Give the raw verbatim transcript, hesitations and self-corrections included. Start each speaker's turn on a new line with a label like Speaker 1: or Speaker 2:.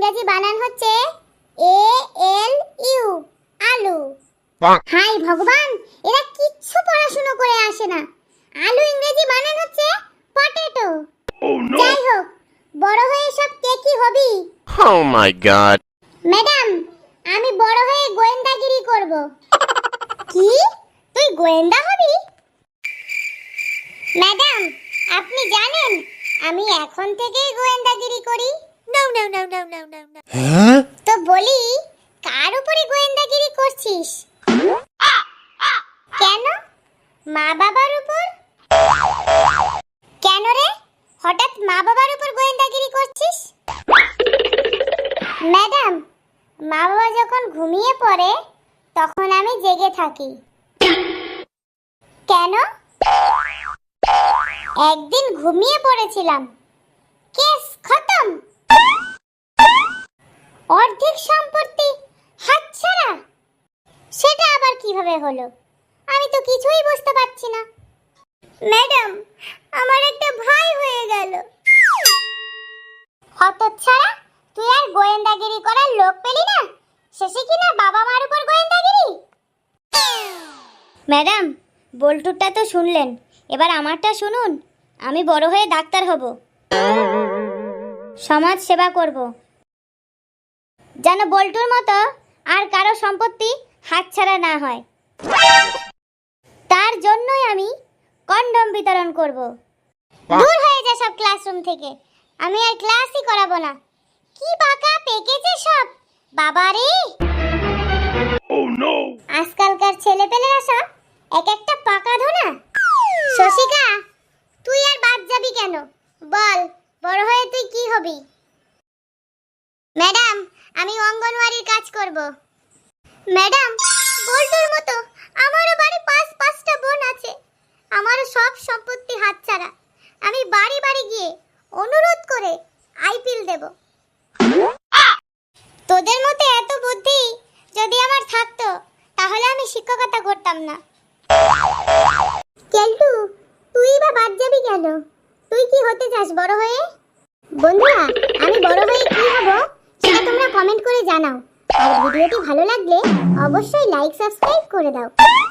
Speaker 1: ইংরেজি বানান হচ্ছে এ এল ইউ, আলু। হাই ভগবান, এরা কিচ্ছু পড়াশোনা করে আসে না। আলু ইংরেজি বানান হচ্ছে পটেটো। যাই হোক, বড় হয়ে সব কে কি হবি?
Speaker 2: Oh my god.
Speaker 1: ম্যাডাম, আমি বড় হয়ে গোয়েন্দাগিরি করব। কি? তুই গোয়েন্দা হবি? ম্যাডাম, আপনি জানেন আমি এখন থেকেই গোয়েন্দাগিরি করি।
Speaker 3: No, no, no, no, no, no, no.
Speaker 2: Huh?
Speaker 1: তো বলি, কার উপরে গোয়েন্দাগিরি করছিস? কেন? মা বাবার উপর? কেন রে, হঠাৎ মা বাবার উপর গোয়েন্দাগিরি করছিস? ম্যাডাম, মা বাবা যখন ঘুমিয়ে পড়ে তখন আমি জেগে থাকি। কেন? একদিন ঘুমিয়ে পড়েছিলাম, কেস খতম। অর্ধেক সম্পত্তি হাতছাড়া। সেটা আবার কিভাবে হলো? আমি তো কিছুই বুঝতে পারছি না। ম্যাডাম, আমার একটা ভাই হয়ে গেল। হতচ্ছাড়া, তুই আর গোয়েন্দাগিরি করার লোক পেলি না, শেষে কিনা বাবা মার উপর গোয়েন্দাগিরি।
Speaker 3: ম্যাডাম, বল্টুরটা তো শুনলেন, এবার আমারটা শুনুন। আমি বড় হয়ে ডাক্তার হব, সমাজ সেবা করব, যেন বল্টুর মতো আর কারো সম্পত্তি হাতছাড়া না হয়। তার জন্যই আমি কন্ডম বিতরণ করব।
Speaker 1: দূর হয়ে যা সব ক্লাসরুম থেকে, আমি আর ক্লাসই করাবো না। কি পাকা পেকেছে সব, বাবারে।
Speaker 2: Oh no.
Speaker 1: আজকালকার ছেলেপেলেরা সব এক একটা পাকা ধোনা। শশিকা, তুই আর বাদ যাবি কেন? বল, বড় হয়ে তুই কি হবি? ম্যাডাম, আমি অঙ্গনওয়াড়ির কাজ করব। ম্যাডাম, বল্টুর মতো আমারও বাড়ি পাঁচ পাঁচটা বোন আছে, আমারও সব সম্পত্তি হাতছাড়া। আমি বাড়ি বাড়ি গিয়ে অনুরোধ করে আইপিএল দেব। তোদের মতো এত বুদ্ধি যদি আমার থাকতো তাহলে আমি শিক্ষকতা করতাম না। কেলটু, তুই বা বাদ যাবি কেন? তুই কি হতে চাস বড় হয়ে? বন্ধুরা, আমি বড় হয়ে কি হব সেটা তোমরা কমেন্ট করে জানাও। আর ভিডিওটি ভালো লাগলে অবশ্যই লাইক সাবস্ক্রাইব করে দাও।